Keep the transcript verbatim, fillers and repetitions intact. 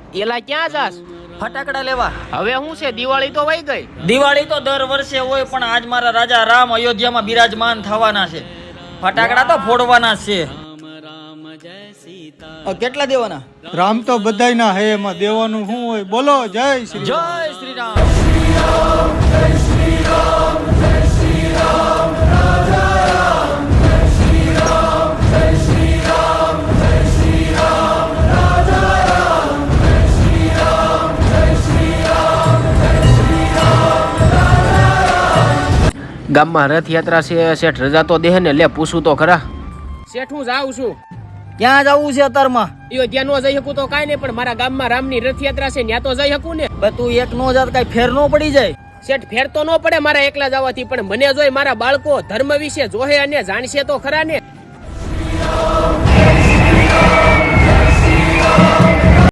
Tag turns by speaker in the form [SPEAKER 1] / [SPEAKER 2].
[SPEAKER 1] એલા ક્યાં જાસ?
[SPEAKER 2] ફટાકડા લેવા.
[SPEAKER 1] હવે શું છે, દિવાળી તો વઈ ગઈ.
[SPEAKER 2] દિવાળી તો દર વર્ષે હોય, પણ આજ મારા રાજા રામ અયોધ્યામાં બિરાજમાન થવાના છે. ફટાકડા તો ફોડવાના છે. કેટલા દેવાના?
[SPEAKER 3] રામ તો બધાયના હે, એમાં દેવાનું શું હોય? બોલો જય શ્રી
[SPEAKER 2] જય શ્રી રામ.
[SPEAKER 1] ગામમાં રથયાત્રા છે, શેઠ રજા તો દે ને, લે પૂછું તો ખરા. શેઠ હું જાઉં છું.
[SPEAKER 2] ક્યાં જવું છે અત્યારમાં?
[SPEAKER 1] અયોધ્યા નો જઈ શકું તો કાંઈ નહીં, પણ મારા ગામમાં રામની રથયાત્રા છે, ત્યાં તો જઈ શકું ને.
[SPEAKER 2] બે તું એક નો જાત કઈ ફેર નો પડી જાય?
[SPEAKER 1] શેઠ ફેર તો ન પડે મારા એકલા જવાથી, પણ મને જોઈ મારા બાળકો ધર્મ વિશે જોહે અને જાણશે તો ખરા ને.